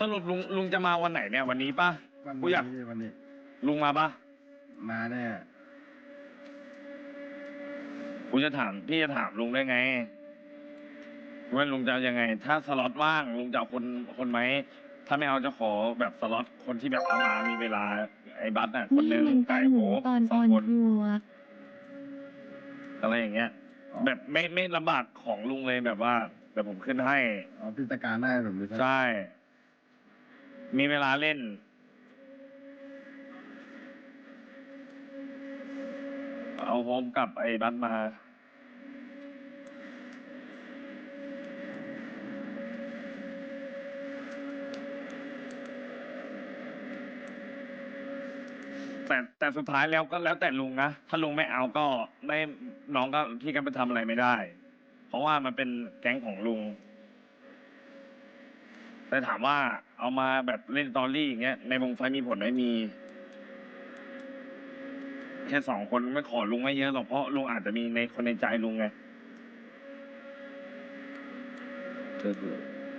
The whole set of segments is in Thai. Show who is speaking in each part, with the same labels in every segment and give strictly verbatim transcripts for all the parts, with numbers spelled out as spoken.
Speaker 1: สรุปลุงลุงจะมาวันไหนเนี่ยวันนี้ป่ะ
Speaker 2: วัน
Speaker 1: กูอยาก
Speaker 2: นี้วันนี้
Speaker 1: ลุงมาป่ะ
Speaker 2: มาแน่
Speaker 1: กูจะถามพี่จะถามลุงได้ไงว่าลุงจะเอายังไง ถ้าสล็อตว่างลุงจะเอาคนคนไหมถ้าไม่เอาจะขอแบบสล็อตคนที่แบบเอามามีเวลาไอ้บัสน่ะคนหนึง
Speaker 3: นี่มัน
Speaker 1: ไก่
Speaker 3: ตอนห
Speaker 1: โห
Speaker 3: มูตอน
Speaker 1: ส
Speaker 3: อ
Speaker 1: อง
Speaker 3: อน
Speaker 1: คน
Speaker 3: ทัวร์
Speaker 1: อะไรอย่างเงี้ย แบบไม่ไม่ลำบากของลุงเลยแบบว่าแบบผมขึ้นให้
Speaker 2: อ๋อพิจการได้แบบนี้
Speaker 1: ใช่ มีเวลาเล่น เอาโฮมกับไอ้บัสมา แต่แต่สุดท้ายแล้วก็แล้วแต่ลุงนะ ถ้าลุงไม่เอาก็ไม่น้องก็พี่ก็ไปทำอะไรไม่ได้ เพราะว่ามันเป็นแก๊งของลุง แต่ถามว่าเอามาแบบเล่นสตอรี่อย่างเงี้ยในวงไฟมีผลไหมมี แค่สองคนไม่ขอลุงไม่เยอะหรอกเพราะลุงอาจจะมีในคนในใจลุงไงเออ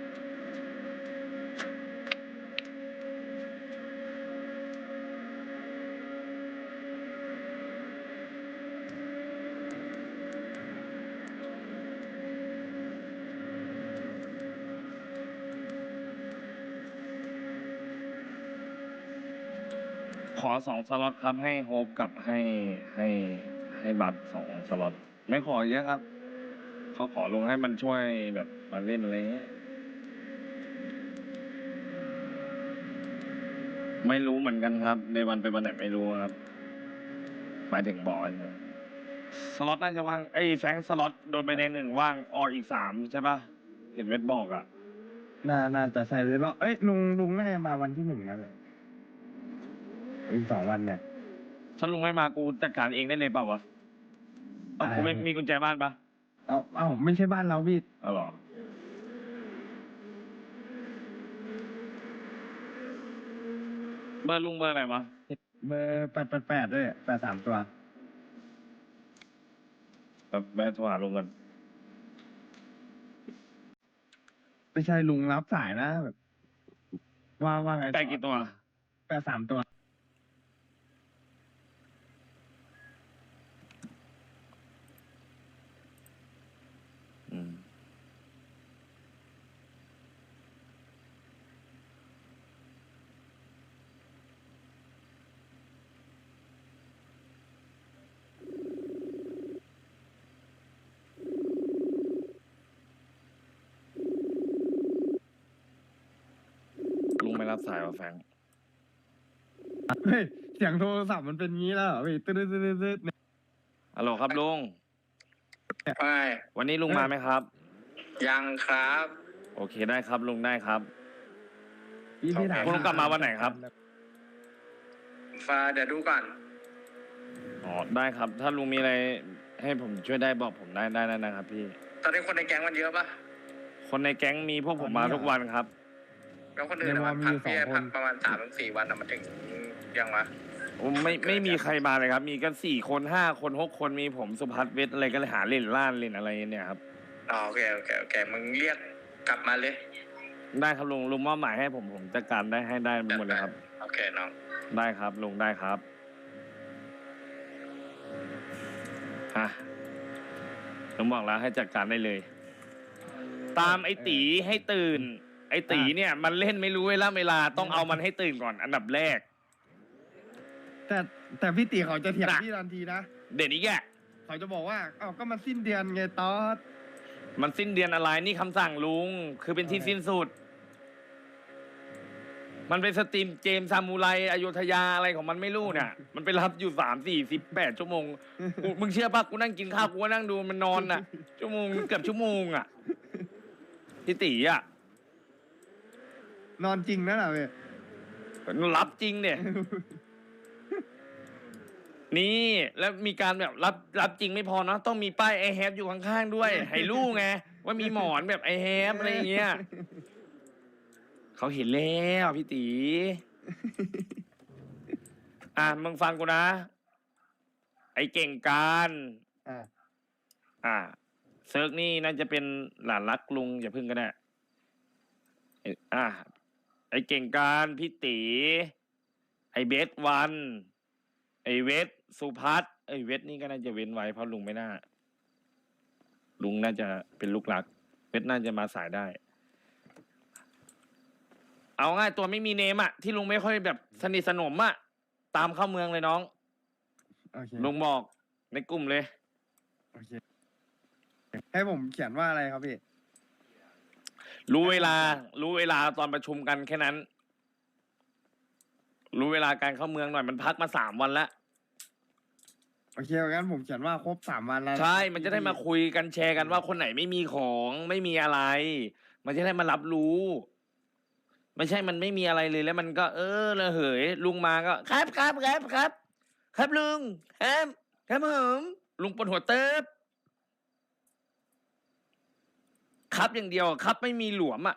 Speaker 1: ขอสองสล็อตครับให้โฮปกับให้ให้ให้บัตรสองสล็อตไม่ขอเยอะครับเขาขอลงให้มันช่วยแบบมาเล่นอะไรเงี้ยไม่รู้เหมือนกันครับ ในวันเป็นวันไหนไม่รู้ครับหมายถึงบอลนะสล็อตน่าจะว่างไอ้แฟงสล็อตโดนไปในหนึ่งว่างออกอีกสามใช่ปะเห็นเวทบอกอ่ะ
Speaker 2: น่าน่าจะใส่เลยว่าเอ้ยลุงลุงน่าจะมาวันที่หนึ่งนะเลยอีกสองวันเนี่ย
Speaker 1: ถ้าลุงไม่มากูจัดการเองได้เลยเปล่าวะเอ้ากูไม่มีกุญแจบ้านปะ
Speaker 2: เอาเอาไม่ใช่บ้านเราพี่
Speaker 1: เอาหรอเบอร์ลุงเบอร์ไหนวะ
Speaker 2: เบอร์แปดแปดแปดด้วยแปดสามตัว
Speaker 1: แบบแม่โทรหาลุงกัน
Speaker 2: ไม่ใช่ลุงรับสายนะแบบว่าว่าไง
Speaker 1: ไก่กี่ตัว
Speaker 2: แปดสามตัว
Speaker 1: อืมลุงไม่รับสายวะแฟง
Speaker 2: เฮ้ยเสียงโทรศัพท์มันเป็นงี้แล้วเหรอพี่ตึ๊ดตึ๊ดตึ๊ดตึ๊ดเนี่ย
Speaker 1: ฮัลโหลครับลุง
Speaker 4: ไม่
Speaker 1: วันนี้ลุงมาไหมครับ
Speaker 4: ยังครับ
Speaker 1: โอเคได้ครับลุงได้ครับ
Speaker 2: พี่พี่ถาม
Speaker 1: คุณลุงกลับมาวันไหนครับ
Speaker 4: ฟ้าเดี๋ยวดูก่อน
Speaker 1: อ๋อได้ครับ ถ้าลุงมีอะไรให้ผมช่วยได้บอกผมได้ได้ได้นะครับ พี่
Speaker 4: ตอนนี้คนในแก๊งมันเยอะปะ
Speaker 1: คนในแก๊งมีพวกผมมาทุกวันครับ
Speaker 4: แล้วคนอื่นอะมันพักพี่พักประมาณสามถึงสี่วันอะมันถึงยังวะ
Speaker 1: ผมไม่ไม่มีใครมาเลยครับ มีกันสี่คนห้าคนหกคนมีผมสุพัฒน์เวทอะไรก็เลยหาเล่นล่านเล่นอะไรเนี่ยครับ
Speaker 4: อ๋อโอเคโอเคโอเคมึงเรียกกลับมาเลย
Speaker 1: ได้ครับลุงลุงมอบหมายให้ผมผมจัดการได้ให้ได้หมดเลยครับ
Speaker 4: โอเคน้อง
Speaker 1: ได้ครับลุงได้ครับอ่ะผมบอกแล้วให้จัดการได้เลย ตามไอ้ตีให้ตื่น ไอ้ตีเนี่ย มันเล่นไม่รู้เวลาเวลาต้องเอามันให้ตื่นก่อนอันดับแรก
Speaker 2: แต่แต่พี่ตีเขาจะเถียง
Speaker 1: น่ะ
Speaker 2: พี่ทันทีนะ
Speaker 1: เด่นอีกแก
Speaker 2: เขาจะบอกว่าเอ้าก็มันสิ้นเดือนไงตอด
Speaker 1: มันสิ้นเดือนอะไรนี่คำสั่งลุง คือเป็นที่สิ้นสุด มันเป็นสตรีมเกมซามูไรอโยธยาอะไรของมันไม่รู้เนี่ย มันไปรับอยู่สามสี่สิบแปดชั่วโมงกูมึงเชื่อปะกูนั่งกินข้าวกูก็นั่งดูมันนอนน่ะ ชั่วโมงเกือบชั่วโมงอ่ะพี่ตีอ่ะ
Speaker 2: นอนจริงนะน่ะเว้ย
Speaker 1: รับจริงเนี่ย นี่แล้วมีการแบบรับรับจริงไม่พอเนาะต้องมีป้ายไอแฮปอยู่ข้างๆด้วย ให้รู้ไงว่ามีหมอนแบบไอแฮปอะไรอย่างเงี้ยเขาเห็นแล้วพี่ตี อ่ะมึงฟังกูนะ ไอเก่งการ
Speaker 2: อ่า
Speaker 1: อ่าเซิร์กนี่น่าจะเป็นหลานรักลุงอย่าพึ่งก็ได้ไอ้อ่า ไอไอ้เก่งการพี่ตีไอ้เบสวันไอ้เวสสุพัฒน์ไอ้เวสนี่ก็น่าจะเว้นไว้เพราะลุงไม่น่าลุงน่าจะเป็นลูกหลักเวสน่าจะมาสายได้ เอาง่ายตัวไม่มีเนมอะที่ลุงไม่ค่อยแบบสนิทสนมอะตามเข้าเมืองเลยน้อง
Speaker 3: โอเค
Speaker 1: ลุงบอกในกลุ่มเลย
Speaker 3: โอเคให้ผมเขียนว่าอะไรครับพี่
Speaker 1: รู้เวลา รู้เวลาตอนประชุมกันแค่นั้น รู้เวลาการเข้าเมืองหน่อยมันพักมาสามวันแล้ว
Speaker 3: โอเคงั้นผมเขียนว่าครบสามวันแล้ว
Speaker 1: ใช่ มันจะได้มาคุยกันแชร์กันว่าคนไหนไม่มีของไม่มีอะไร มันจะได้มารับรู้ ไม่ใช่มันไม่มีอะไรเลยแล้วมันก็เออระเหย ลุงมาก็ ครับครับครับครับ ครับลุงครับครับผมลุงปวดหัวเติบครับอย่างเดียวครับไม่มีหลวมอ่ะ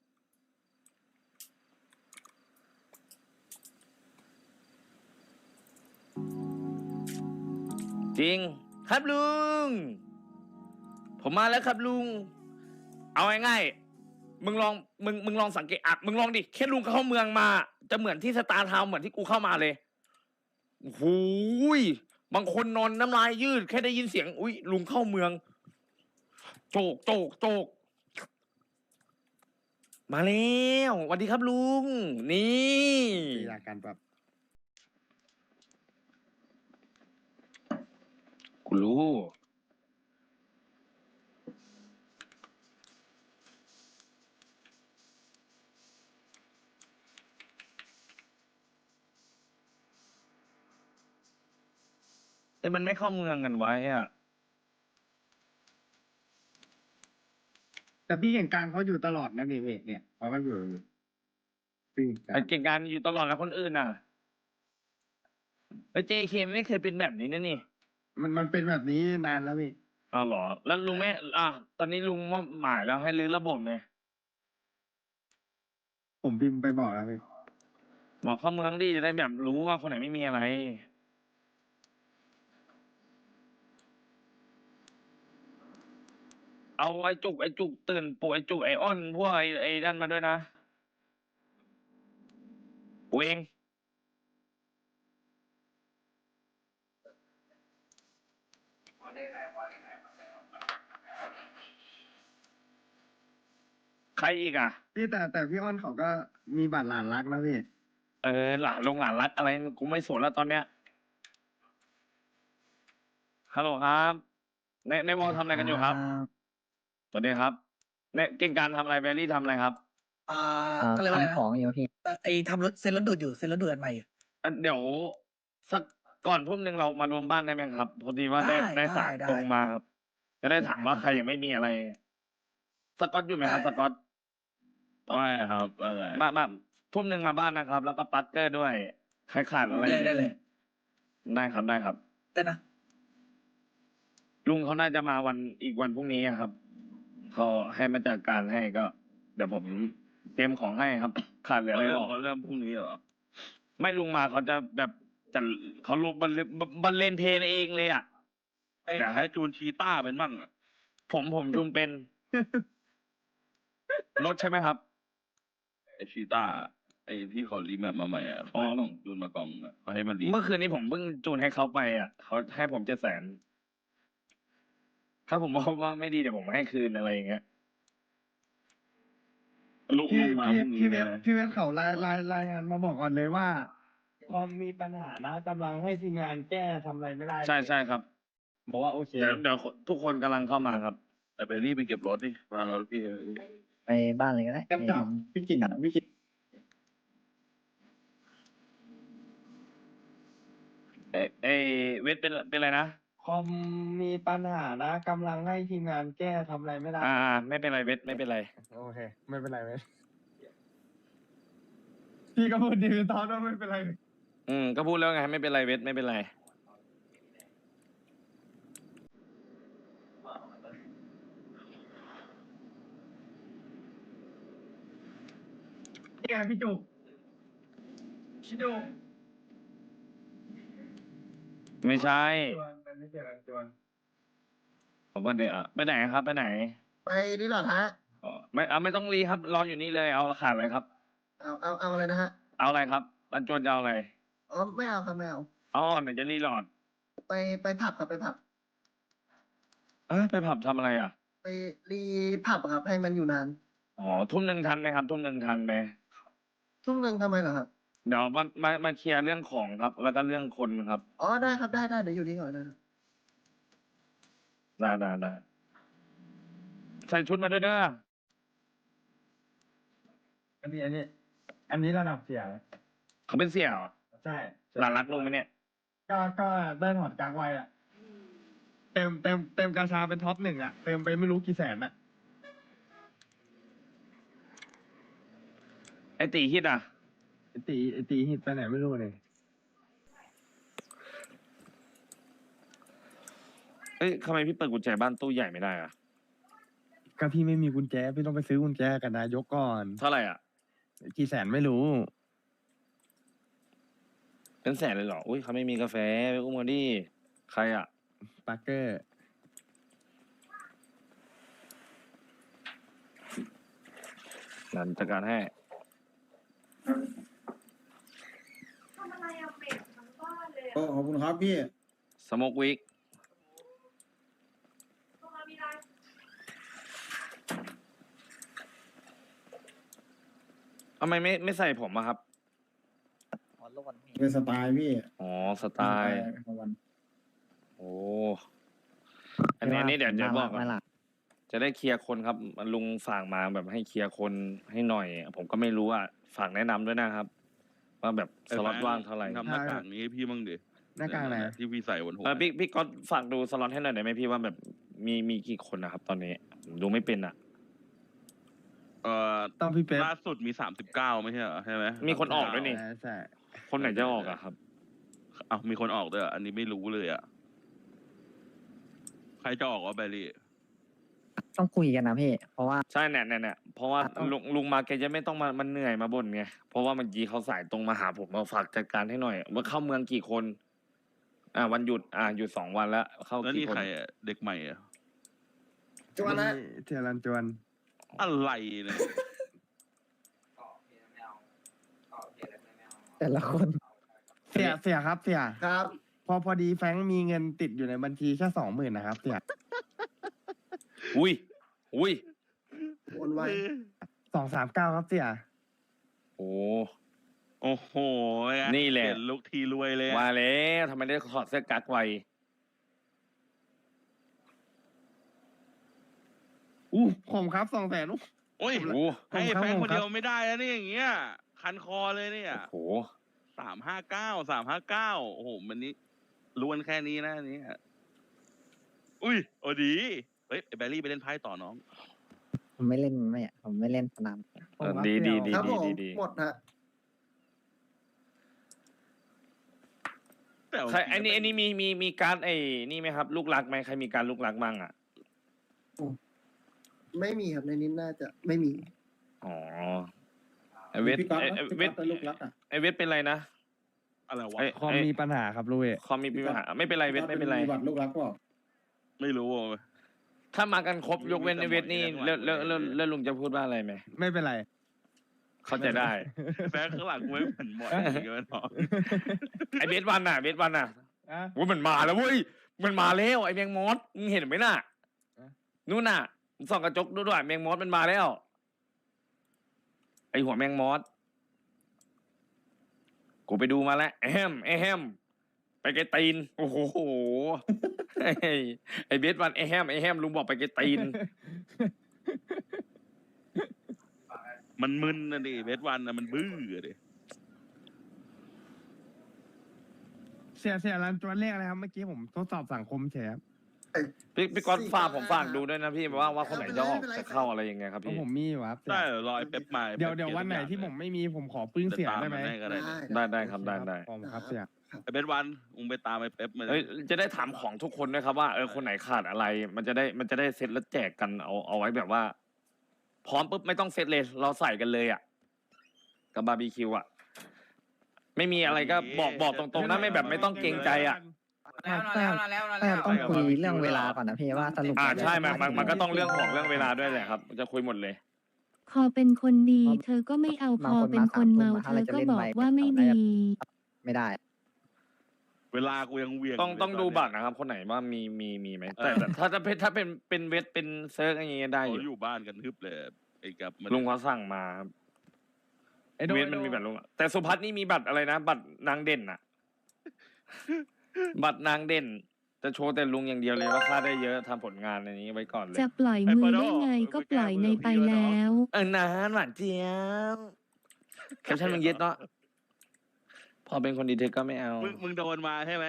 Speaker 1: จริง ครับลุง ผมมาแล้วครับลุง เอาง่ายๆมึงลองมึงมึงลองสังเกตอ่ะมึงลองดิแค่ลุงเข้าเมืองมา จะเหมือนที่สตาร์ทาวน์เหมือนที่กูเข้ามาเลยโอ้โหยบางคนนอนน้ำลายยืด แค่ได้ยินเสียง อุ้ยลุงเข้าเมือง โจกโจกโจกมาแล้วสวัสดีครับลุง นี่
Speaker 3: อยากกันแบบ
Speaker 1: กูรู้ แต่มันไม่เข้าเมืองกันไว้อ่ะ
Speaker 3: แต่พี่เก่งกลางเขาอยู่ตลอดนะนี่เวทเนี่ยเขาก็อยู่พี่กลา
Speaker 1: ไอ้
Speaker 3: ง
Speaker 1: เก่งการอยู่ตลอดแล้วคนอื่นน่ะแล้วเจเคไม่เคยเป็นแบบนี้นะนี่
Speaker 3: มันมันเป็นแบบนี้นานแล้วพี่
Speaker 1: อ้าวเหรอ แล้วลุงไม่อ่ะตอนนี้ลุงว่าหมายแล้วให้รื้อระบบเลย
Speaker 3: ผมพิมพ์ไปบอกแล้วพี่
Speaker 1: บอกเข้าเมืองดีจะได้แบบรู้ว่าคนไหนไม่มีอะไร เอาไอ้จุกไอ้จุกตื่นปู่ไอ้จุกไอ้อ้อนพวกไอ้ไอ้นั่นมาด้วยนะปู่เอง ใครอีกอ่ะ
Speaker 3: พี่แต่แต่พี่อ้อนเขาก็มีบัตรหลานรักแล้วพี่
Speaker 1: เออหลานลงหลานรักอะไรกูไม่สนแล้วตอนเนี้ยฮัลโหลครับ ในในวอลทำอะไรกันอยู่ครับสวัสดีครับในเก่งการทำอะไรแบรี่ทำอะไรครับ
Speaker 5: อ่า
Speaker 6: อ่า
Speaker 5: ก็เลยกว่าอะไร
Speaker 6: ทำ
Speaker 5: นะ
Speaker 6: ของอยู่พี่
Speaker 5: ไอ้ทำรถเซ็นรถดูดอยู่เซ็นรถดูดอันใหม่อยู่
Speaker 1: อ่ะเดี๋ยวสักก่อนทุ่มหนึ่งเรามารวมบ้านได้ไหมครับพอดีว่าได้
Speaker 5: ได้
Speaker 1: ได้สาย
Speaker 5: ได้
Speaker 1: ตรงมาครับ จะได้ถามว่าใครยังไม่มีอะไร สกอตอยู่ไหมครับ สกอตไม่ครับมามาทุ่มหนึ่งมาบ้านนะครับ แล้วก็ปัตเตอร์ด้วยใครขาดอะไร
Speaker 5: ได้ได้เลย
Speaker 1: ได้ครับได้ครับ
Speaker 5: ได้นะ
Speaker 1: ลุงเขาน่าจะมาวันอีกวันพรุ่งนี้อะครับเขาให้มาจัดการให้ก็ เดี๋ยวผมเตรียมของให้ครับ ขาดเหลืออะไรบอกเริ่มพรุ่งนี้เหรอไม่ลุงมาเขาจะแบบจะเขาลงบรรเลงบรรเลงเพลงเองเลยอ่ะ
Speaker 7: อยากให้จูนชีต้าเป็นบ้างอะ
Speaker 1: ผมผมจูนเป็น รถใช่ไหมครับ
Speaker 7: ไอชีต้าไอที่เขารีแมปมาใหม่อ่ะ
Speaker 1: อ๋อ
Speaker 7: เขาต้องจูนมากล่องอะเขาให้มันรี
Speaker 1: เมื่อคืนนี้ผมเพิ่งจูนให้เขาไปอ่ะเขาให้ผมเจ็ดแสนถ้าผมบอกว่าไม่ดีเดี๋ยวผมให้คืนอะไรอย่างเงี้ย
Speaker 7: ลูก
Speaker 3: พี่
Speaker 7: ลูกมา
Speaker 3: พี่
Speaker 7: พรุ่งนี้
Speaker 3: พี่เว
Speaker 7: เล
Speaker 3: ท
Speaker 7: ย
Speaker 3: พี่เวทเขารายรายรายงานมาบอกก่อนเลยว่าคอมมีปัญหานะกำลังให้ทีมงานแก้ทำอะไรไม่ได้
Speaker 1: ใช่ใช่ครับ
Speaker 3: บอกว่าโอเค
Speaker 1: เดี๋ยวเดี๋ยวทุกคนกำลังเข้ามาครับ
Speaker 7: แต่ไปรีบไปเก็บรถดิมาแล้วพี่
Speaker 6: ไปบ้านเลยก็ได้
Speaker 3: แก้มจับพี่กินพี่กิน
Speaker 1: เอ้ยเอ้ยเวทเป็นเป็นอะไรนะ
Speaker 3: คอมมีปัญหานะกำลังให้ทีมงานแก้ทำอะไรไม่ได้
Speaker 1: อ่าอ่าไม่เป็นไรเวทไม่เป็นไร
Speaker 3: โอเค ไม่เป็นไรเว้ยพี่ก็พูดดีตอนว่าไม่เป็นไร
Speaker 1: อืมก็พูดแล้วไงไม่เป็นไรเวทไม่เป็นไร
Speaker 3: นี่ไงพี่จุกพี่จุก
Speaker 1: ไม่ใช่
Speaker 3: จวนมันไม่เกี่ยวกับจวน
Speaker 1: ผมว่าเดี๋ยวอ่ะไปไหนครับไปไหน
Speaker 5: ไปนี่หรอฮะ
Speaker 1: อ๋อไม่เอาไม่ต้องรีครับรออยู่นี่เลยเอาขาดเลยครับ
Speaker 8: เอาเอาเอาอะไรนะฮะ
Speaker 1: เอาอะไรครับรันจวนจะเอาอะไร
Speaker 8: อ๋อไม่เอาครับไม่เอา
Speaker 1: อ๋อไหนจะรีโหลด
Speaker 8: ไปไปผับครับไปผับ
Speaker 1: เอ้ยไปผับทำอะไรอ่ะ
Speaker 8: ไปรีผับอะครับ ให้มันอยู่นาน
Speaker 1: อ๋อทุ่มหนึ่งทันไหมครับทุ่มหนึ่งทันไหม
Speaker 8: ทุ่มหนึ่งทำไมเหรอครับ
Speaker 1: เดี๋ยวมามามาเคลียร์เรื่องของครับ แล้วก็เรื่องคนครับ
Speaker 8: อ๋อได้ครับได้ได้เดี๋ยวอยู่นี่ก่อนนะครับ
Speaker 1: ได้ได้ได้ใส่ชุดมาด้วยเด้อ
Speaker 3: อันนี้อันนี้ อันนี้ระดับเสีย
Speaker 1: เขาเป็นเสี่ยว
Speaker 3: ใช่
Speaker 1: หลานรักลงไหมเนี่ย
Speaker 3: ก็ก็ได้หมดกลางวัยอ่ะเต็มเต็มเต็มกาชาเป็นท็อปหนึ่งอ่ะเต็มไปไม่รู้กี่แสนอ่ะ
Speaker 1: ไอตีฮิตอ่ะ
Speaker 3: ไอตีไอตีหิดไปไหนไม่รู้เลย
Speaker 1: เอ้ยทำไมพี่เปิดกุญแจบ้านตู้ใหญ่ไม่ได้อ่ะ
Speaker 3: ก็พี่ไม่มีกุญแจพี่ต้องไปซื้อกุญแจกับนายกก่อน
Speaker 1: เท่าไหร่อ่ะ
Speaker 3: กี่แสนไม่รู้
Speaker 1: เป็นแสนเลยเหรอ อุ้ยเขาไม่มีกาแฟไปอุ้มกันดิใครอ่ะ
Speaker 3: ปาร์เกอร์
Speaker 1: นันจัดการให้
Speaker 9: โอ้ขอบคุณครับพี่
Speaker 1: สโมกวิกทำไมไม่ไม่ใส่ผมอะครับ
Speaker 5: ขอรวนพี่
Speaker 9: เป็นสไตล์พี่
Speaker 1: อ๋อ สไตล์
Speaker 9: ของวัน
Speaker 1: โอ้ อันนี้อันนี้เดี๋ยวเดี๋ยวบอกก่อน
Speaker 5: น่ารัก
Speaker 1: จะได้เคลียร์คนครับ ลุงฝากมาแบบให้เคลียร์คนให้หน่อย ผมก็ไม่รู้อ่ะ ฝากแนะนำด้วยนะครับ ว่าแบบสล็อตว่างเท่าไหร่
Speaker 7: ทำหน้ากากนี้ให้พี่บ้างดิ
Speaker 3: หน้ากากไหน
Speaker 7: ที่พี่ใส่บนหัว
Speaker 1: เออพี่พี่ก็ฝากดูสล็อตให้หน่อยได้ไหมพี่ว่าแบบมีมีกี่คนนะครับ ตอนนี้ผมดูไม่เป็นอ่ะ
Speaker 7: เอ่อ
Speaker 3: ต้องพี่เป๊ป
Speaker 7: ล่าสุดมีสามสิบเก้าไม่ใช่เหรอใช่ไหม
Speaker 1: มีคนออกด้วยนี่
Speaker 3: ใช่ใช่
Speaker 1: คนไหนจะออกอะครับ
Speaker 7: อ้าวมีคนออกด้วยเหรออันนี้ไม่รู้เลยอ่ะใครจะออกวะแบรี่
Speaker 5: ต้องคุยกันนะพี่ เพราะว่า
Speaker 1: ใช่เนี่ยเนี่ยเนี่ยเพราะว่า
Speaker 5: ต้อง
Speaker 1: ลุงลุงมาแกจะไม่ต้องมามันเหนื่อยมาบ่นไงเพราะว่าเมื่อกี้เขาสายตรงมาหาผมมาฝากจัดการให้หน่อยว่าเข้าเมืองกี่คน อ่าวันหยุดอ่าหยุดสองวันแล้วเข้า
Speaker 7: แล้ว
Speaker 1: กี่
Speaker 7: นี่
Speaker 1: คน
Speaker 7: ใครอ่ะเด็กใหม่อ่ะ
Speaker 8: จวนนะ
Speaker 3: เทียรันจวน
Speaker 7: อะไรเนี่ย
Speaker 5: แต่ละคน
Speaker 3: เสียเสียครับเสีย
Speaker 8: ครับ
Speaker 3: พอพอดีแฟรงค์มีเงินติดอยู่ในบัญชีแค่สองหมื่นนะครับเสีย
Speaker 1: อุ้ยอุ้ย
Speaker 8: โอนไว
Speaker 3: สองสามเก้าครับเสีย
Speaker 1: โอ้
Speaker 7: โอ้โห
Speaker 1: นี่แหละ
Speaker 7: เปลี่ยนลุกทีรวยเลยอะ
Speaker 1: มาแล้วทำไมได้ถอดเสื้อกั๊กไว
Speaker 3: อู้ผมครับสองแสนอู้
Speaker 7: โอ้ย
Speaker 1: โอ้
Speaker 7: ให้
Speaker 3: ผมครับ
Speaker 7: แฟน
Speaker 3: ผม
Speaker 7: คน
Speaker 3: ครับ
Speaker 7: เดียวไม่ได้แล้วนี่อย่างเงี้ยคันคอเลยเนี่ย
Speaker 1: โห
Speaker 7: สามห้าเก้าสามห้าเก้าโอ้โหมันนี้ล้วนแค่นี้นะอันนี้อุ้ยโอ้ดีเฮ้ยไอ้แบรี่ไปเล่นไพ่ต่อน้อง
Speaker 5: ผมไม่เล่นไม่อะผมไม่เล่นสนาม
Speaker 1: เออดีดีดี
Speaker 8: ครับ
Speaker 1: ดี
Speaker 8: ผม
Speaker 1: ดีดี
Speaker 8: หมดฮะ
Speaker 7: แต่
Speaker 1: ใครไอ้นี่ไอ้นี่มีมีมีการดไอ้นี่ไหมครับ ลูกรักไหมใครมีการลูกรักบ้างอ่ะ
Speaker 8: ไม่มีครับในนี้น่าจะไม่มี
Speaker 1: อ๋อไอเวท
Speaker 9: พี่ก๊อต
Speaker 1: ไอ
Speaker 9: นะ
Speaker 1: ไอ้
Speaker 9: พี่
Speaker 1: เว
Speaker 9: ก๊อ
Speaker 1: ท
Speaker 9: ตเป็นลูกรักอ่ะ
Speaker 1: ไอเวทเป็นไรนะ
Speaker 7: อะไรวะ
Speaker 1: ไอ้
Speaker 3: คอมมีปัญหาครับลุย
Speaker 1: คอมมีปัญหาไม่เป็นไรเวทไม่เป็นไร
Speaker 9: มีบัตรลูกรักเปล่า
Speaker 7: ไม่รู้อ่ะ
Speaker 1: ถ้ามากันครบยกเว้นไอเวทนี่
Speaker 7: มี
Speaker 1: แล้ว
Speaker 7: แต่
Speaker 1: แล้ว
Speaker 7: หมด
Speaker 1: แล้วแล้วลุงจะพูดว่าอะไรไหม
Speaker 3: ไม่เป็นไร
Speaker 1: เข้าใจได้
Speaker 7: แฟนข้างหลังกูไม่เหมือนหมดอย่างเงี้ยเนาะ
Speaker 1: ไอเบสวันน่ะเบสวันน่ะ
Speaker 3: อ่ะ
Speaker 1: โอ้ยมันมาแล้วเว้ยมันมาแล้วไอแมงมอสมึงเห็นไหมน่ะ
Speaker 3: อะ
Speaker 1: นู่นน่ะมึงส่องกระจกดูด้วยแมงมอสมันมาแล้ว ไอหัวแมงมอสกูไปดูมาแล้วแอมแอมไปไกลตีนโอ้โหไอ้ไอเบสวันไอแฮมไอแฮมลุงบอกไปไกลตีน
Speaker 7: มันมึนนะดิเวทวันนะมันบื้อดิ
Speaker 3: เสียเสียรันจวนเลขอะไรครับเมื่อกี้ผมทดสอบสังคมเฉยครับ
Speaker 1: พี่พี่ก๊อตฝากผมฝากดูด้วยนะพี่ว่าว่าคนไหนจะออกจะเข้าอะไรยังไงครับ
Speaker 3: เพราะ
Speaker 1: พี่
Speaker 3: ผมมีอยู่ครับเสีย
Speaker 7: ได้เหรอรอไอ้เป๊ปมา
Speaker 3: เดี๋ยวเดี๋ยววันไหนที่ผมไม่มีผมขอปึ้งเสียได้ไหม
Speaker 7: ปตาก็ได้
Speaker 8: ได้
Speaker 1: ได้ได้ครับได้ได้
Speaker 3: ผมครับเสีย
Speaker 7: ไอ้เบสวันมึงไปตามไอ้เป๊ปมาดิ
Speaker 1: เอ้ยจะได้ถามของทุกคนด้วยครับว่าเออคนไหนขาดอะไร มันจะได้มันจะได้เซตแล้วแจกกันเอาเอาไว้แบบว่า พร้อมปุ๊บไม่ต้องเซตเลย เราใส่กันเลยอ่ะกับบาร์บีคิวอ่ะไม่มีอะไรก็บอกบอกตรงๆนะไม่แบบไม่ต้องเกรงใจอ่ะ
Speaker 5: แต่แต่ต้องคุยเรื่องเวลาก่อนนะพี่ว่าสรุป
Speaker 1: อ่าใช่มันมันมันก็ต้อง
Speaker 5: จะ
Speaker 1: เรื่องของเรื่องเวลาด้วยแหละครับ จะคุยหมดเลย
Speaker 10: พอเป็นคนดี
Speaker 5: เพราะ
Speaker 10: เธอก็ไม่เอาพ
Speaker 5: บาง
Speaker 10: อ
Speaker 5: คน
Speaker 10: เป็น
Speaker 5: มา
Speaker 10: คน
Speaker 5: สามทุ่ม
Speaker 10: เมา
Speaker 5: อะ
Speaker 10: เธ
Speaker 5: ถ้าเรา
Speaker 10: อ
Speaker 5: จะ
Speaker 10: ก็
Speaker 5: เล่น
Speaker 10: บอก
Speaker 5: ไว
Speaker 10: ว่าไม่
Speaker 5: เขาน่า
Speaker 10: ดี
Speaker 5: จะ ไม่ได้
Speaker 7: เวลากูยังเวียง
Speaker 1: ต้อง
Speaker 7: ยู่เลย
Speaker 1: ต้องดู
Speaker 7: นเนี้ย
Speaker 1: บัตรนะครับ คนไหนว่ามีมีมีไหม
Speaker 7: เออ
Speaker 1: แต่แต่ถ้าถ้าเป็นถ้าเป็นเป็นเวทเป็นเซิร์กอย่างเงี้ยได้อ
Speaker 7: เขา
Speaker 1: ยู่
Speaker 7: อยู่บ้านกันทึบเลยไอ้กับมัน
Speaker 1: ลุงเขาสั่งมาครับ
Speaker 3: ไอ้โด
Speaker 1: เวทมันมีบัตรลุงอะแต่สุพัฒน์นี่มีบัตรอะไรนะ บัตรนางเด่น อะบัตรนางเด่น จะโชว์แต่ลุงอย่างเดียวเลยว่าค่าได้เยอะทำผลงานอันนี้ไว้ก่อนเลย
Speaker 10: จะปล่อยมือได้ไงก็ปล่อยในไปแล้ว
Speaker 1: เออนานหวานเจี๊ยบแคปชั่นมึงเย็ดเนาะพอเป็นคนดีเทคก็ไม่เอา
Speaker 7: มึงมึงโดนมาใช่ไหม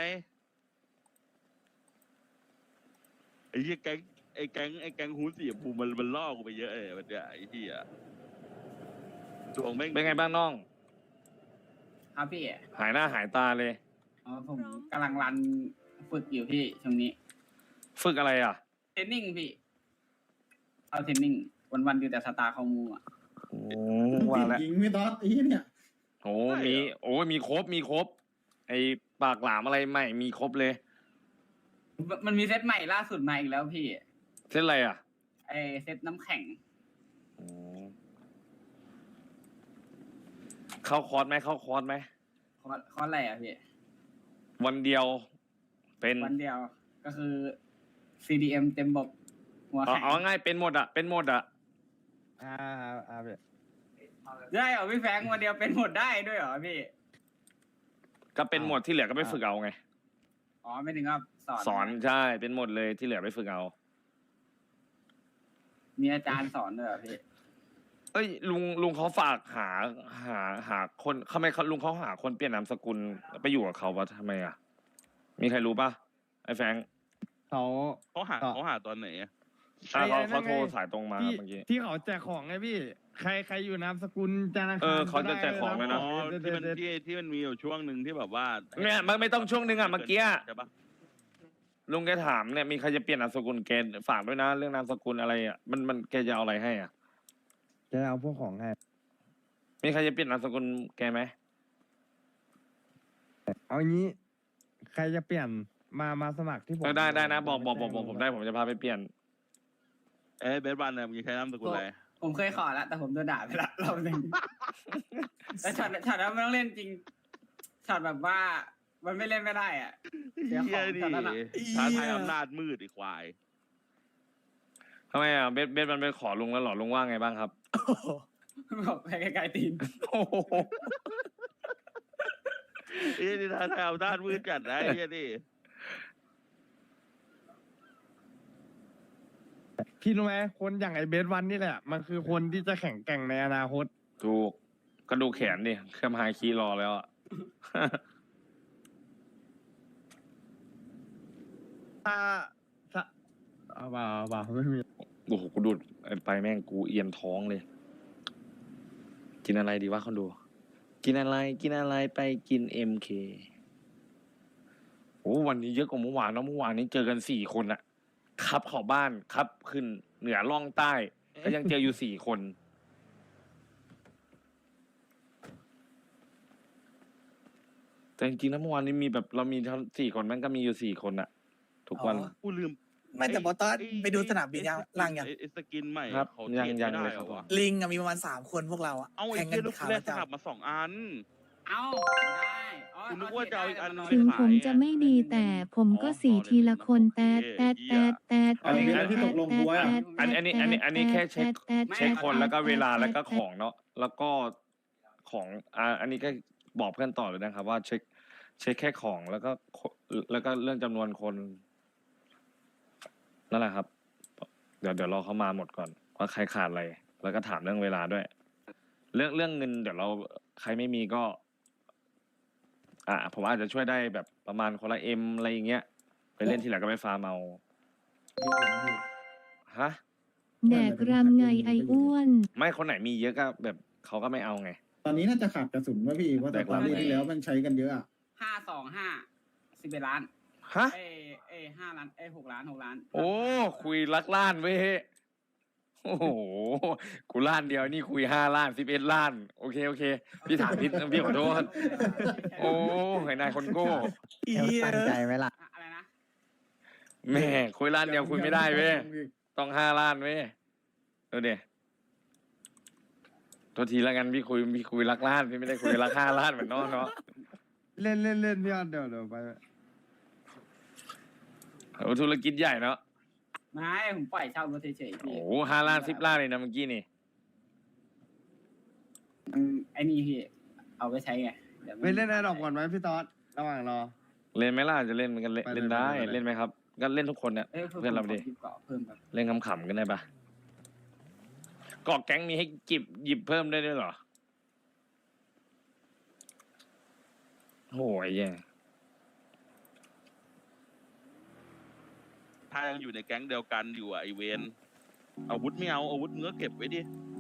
Speaker 7: ไอ้เหี้ยแก๊งไอ้แก๊งไอ้แก๊งฮูดสีชมพูมันมันล่อกูไปเยอะเลยมันเนี่ยไอ้เหี้ยดวงแม่ง
Speaker 1: เป็นไงบ้างน้อง
Speaker 6: ครับพี่
Speaker 1: หายหน้าหายตาเลย
Speaker 6: อ๋อผมกำลังรันฝึกอยู่พี่ช่วงนี้
Speaker 1: ฝึกอะไรอ่ะ
Speaker 6: เทรนนิ่งพี่ เอาเทรนนิ่งวันๆอยู่แต่สตาร์คอมมูอ่ะ
Speaker 1: โอ้
Speaker 9: ติ
Speaker 1: ว่า
Speaker 9: ด
Speaker 1: แล้ว
Speaker 9: หญิงไม่ตอดไอ้เหี้ยเนี่ย
Speaker 1: โอ้มีโอ้มีครบมีครบ ไอ้ปากหลามอะไรใหม่มีครบเลย
Speaker 6: มันมีเซตใหม่ล่าสุดมาอีกแล้วพี่
Speaker 1: เส้นอะไรอ่ะ
Speaker 6: ไอเซตน้ำแข็ง
Speaker 1: โอ้เข้าคอร์สไหมเข้าคอร์สไหม
Speaker 6: คอร์สคอร์สอะไรอ่ะพี่
Speaker 1: วันเดียว เป็น
Speaker 6: วันเดียวก็คือ ซี ดี เอ็ม เต็มบบหัว
Speaker 1: เอา
Speaker 6: แข็ง
Speaker 1: เอาง่ายเป็นหมดอ่ะเป็นหมดอ่ะ
Speaker 3: อ่าอ่าพี่
Speaker 6: ได้เหรอพี่แฟงวันเดียวเป็นหมดได้ด้วยเหรอพี่
Speaker 1: ก็เป็นหมดที่เหลือก็ไปฝึกเอาไง
Speaker 6: อ๋อไม่ถึงกับสอน
Speaker 1: สอนใช่เป็นหมดเลยที่เหลือไปฝึกเอา
Speaker 6: มีอาจารย์สอนด้วยเหรอพี่
Speaker 1: เอ้ยลุงลุงเขาฝากหาหาหาคนทำไมเขาลุงเขาหาคนเปลี่ยนนามสกุลไปอยู่กับเขาวะทำไมอ่ะ มีใครรู้ปะไอ้แฟรงค์
Speaker 3: เขา
Speaker 7: เขาหา
Speaker 3: ต่อ
Speaker 7: เขาหาตอนไหนอะ
Speaker 1: อ่ะเขา
Speaker 3: ไอ้นั่น
Speaker 1: เขาโทร
Speaker 3: ไง
Speaker 1: สายตรงมา
Speaker 3: ที่
Speaker 1: เมื่อกี้
Speaker 3: ที่เขาแจกของไงพี่ ใครใครอยู่นามสกุลธนาคาร
Speaker 1: เออเขาจะแจกของ
Speaker 3: ก็
Speaker 1: เลย
Speaker 3: ได้
Speaker 1: นะ
Speaker 7: อ๋อ
Speaker 3: เด็ด
Speaker 7: ที่มัน
Speaker 3: เด็ด
Speaker 7: ที่ที่มันมีอยู่ช่วงหนึ่งที่แบบว่า
Speaker 1: เนี่ยมันไม่ต้องช่วงหนึ่งอะเมื่อกี้
Speaker 7: ใช่ปะ
Speaker 1: ลุงแกถามเนี่ยมีใครจะเปลี่ยนนามสกุลแกฝากด้วยนะ เรื่องนามสกุลอะไรอ่ะมันมันแกจะเอาอะไรให้อ่ะ
Speaker 3: จะเอาพวกของให้
Speaker 1: มีใครจะเปลี่ยนนามสกุลแกไหม
Speaker 3: เอางี้ ใครจะเปลี่ยนมามาสมัครที่ผม
Speaker 1: เออได้ได้นะบอกบอกบอกบอกผมได้ผมจะพาไปเปลี่ยน
Speaker 7: เอ้ยเบสบันเนี่ยมึงจะใช้นามสกุลอะไร
Speaker 6: ผมเคยขอแล้วแต่ผมโดนด่าไปละรอบหนึ่งแต่ช็อตช็อตนั้นมันต้องเล่นจริงช็อตแบบว่ามันไม่เล่นไม่ได้อ่ะเสียข
Speaker 7: เหี้
Speaker 6: อย ง
Speaker 7: ดิ
Speaker 6: ช็อตนั้นอ่ะ
Speaker 7: ท้าทายอำนาจมืดไอีควาย
Speaker 1: ทำไมอ่ะเบสเบสมันไปขอลุงแล้วเหรอลุงว่าไงบ้างครับ
Speaker 6: บอกไปไกลๆตีน
Speaker 1: โอ้โห
Speaker 7: เอ้ยนี่ท้าทายอำนาจมืดจัดนะไอ้เหี้ยดิ
Speaker 3: พี่รู้ไหมคนอย่างไอเบสวันนี่แหละ มันคือคนที่จะแข่งแกร่งในอนาคต
Speaker 1: ถูกก็ดูแขนดิเครื่องไฮคีย์รอแล้วอ่ะ
Speaker 3: ถ้าถ้าเอาเปล่าเอาเปล่าไม่มี
Speaker 1: โอ้โหกูดูดไปแม่งกูเอียนท้องเลย กินอะไรดีวะคนดู กินอะไรกินอะไรไปกินเอ็มเคโอ้วันนี้เยอะกว่าเมื่อวานเนอะเมื่อวานนี้เจอกันสี่คนอะขับเข้าบ้านครับขึ้นเหนือล่องใต้ ก็ยังเจออยู่สี่คน แต่จริงๆแล้วเมื่อวานนี้มีแบบเรามีทั้งสี่คนแม่งก็มีอยู่สี่คนอะทุกวัน
Speaker 7: กูลืม
Speaker 11: ไม่แต่บอสตอน
Speaker 7: ไอ้
Speaker 11: ไปดูสนามบินยัง
Speaker 7: ไอ้
Speaker 11: ล่างยัง
Speaker 7: ไอ้ไอ้สกินใหม่
Speaker 1: ครับ
Speaker 7: เขา
Speaker 1: ยัง
Speaker 7: เทรด
Speaker 1: ยัง
Speaker 7: ไม่
Speaker 1: เล
Speaker 7: ได้
Speaker 1: ย
Speaker 7: เห
Speaker 1: ค
Speaker 7: ร
Speaker 1: รับ
Speaker 7: อวะ
Speaker 11: ลิงอะมีประมาณสามคนพวกเราอะ
Speaker 7: เอาไอ้
Speaker 11: แข่งกั
Speaker 7: เหี้ย
Speaker 11: น
Speaker 7: ลูก
Speaker 11: ขา
Speaker 7: แรก
Speaker 11: ประ
Speaker 7: สลับ
Speaker 11: จำ
Speaker 7: มาสองอัน
Speaker 6: เอ้าได้อ๋อ
Speaker 7: คุณนึกว่าจะเอาอีกอัน
Speaker 10: ถึงผมจะไม่ดีแต่ผมก็สีทีละคนแตดแตดแตดแตด
Speaker 9: อันนี้ที่ตกลงกูไว้อะ
Speaker 1: อันอันนี้อันนี้อันนี้แค่เช็ค เช็คคนแล้วก็เวลาแล้วก็ของเนาะแล้วก็ของอ่าอันนี้ก็บอกเพื่อนต่อเลยนะครับ ว่าเช็ค เช็คแค่ของแล้วก็แล้วก็เรื่องจำนวนคนนั่นแหละครับ เดี๋ยวเดี๋ยวรอเขามาหมดก่อนว่าใครขาดอะไร แล้วก็ถามเรื่องเวลาด้วย เรื่องเรื่องเงินเดี๋ยวเราใครไม่มีก็ อ่าผมอาจจะช่วยได้แบบประมาณคนละเอ็มอะไรอย่างเงี้ยไปเล่นทีหลังก็ไปฟาร์มเอาฮะ
Speaker 10: แดกรำไงไออ้วน
Speaker 1: ไม่คนไหนมีเยอะก็แบบเขาก็ไม่เอาไง
Speaker 9: ตอนนี้น่าจะขาดกระสุนว่าพี่เพราะแต่ตอนนี้ที่แล้วมันใช้กันเยอะอะ
Speaker 6: ห้าสองห้าสิบเอ็ดล้าน
Speaker 1: ฮะ
Speaker 6: เอ้เอ้ห้าล้านเอ้หกล้านหกล้าน
Speaker 1: โอ้คุยลักล้านเว้ยโอ้โหกูล้านเดียวนี่คุยห้าล้านสิบเอ็ดล้าน โอเคโอเค พี่ถามพี่พี่ขอโทษโอ้ไอ้นายคนโก้
Speaker 5: ตั้งใจไหมล่ะ
Speaker 6: อะไรนะ
Speaker 1: แม่คุยล้านเดียวคุยไม่ได้เว้ยต้องห้าล้านเว้ยดูดิตัวทีละกันพี่คุยพี่คุยรักลาดพี่ไม่ได้คุยรักห้าลาดเหมือนน้องเนาะ
Speaker 3: เล่นเล่นเล่นพี่ออนเดี๋ยวเดี๋ยวไป
Speaker 1: โอ้ธุรกิจใหญ่เนาะ
Speaker 6: ไม่ผมปล่อยเช่ารถเฉยๆ
Speaker 1: โอ้
Speaker 6: พี่
Speaker 1: โหห้าล้านสิบล้านเลยนะเมื่อกี้นี่
Speaker 6: มันไอ้นี่พี่เอาไปใช้ไงดี๋ยวมั
Speaker 3: ไปเล่นไอ้ดอกก่อนไหมพี่ต๊อดระหว่างรอ
Speaker 1: เล่นไหมล่ะจะเล่นมันกันเล่น
Speaker 3: ไปเลย
Speaker 1: เล่นได้
Speaker 3: ไปเลย
Speaker 1: เล่นไหมครับก็เล่นทุกคนเนี่ย
Speaker 6: เอ้ย
Speaker 1: เพื่อนเราดิ
Speaker 6: ผมขหยิบเกาะเพิ่มแบบ
Speaker 1: เล่นขำๆกันได้ปะเกาะแก๊งมีให้จิบหยิบเพิ่มได้ด้วยเหรอโอ้ยแย่
Speaker 7: ถ้ายังอยู่ในแก๊งเดียวกันอยู่อะไอเวนอาวุธไม่เอาอาวุธมึงก็เก็บไว้ดิ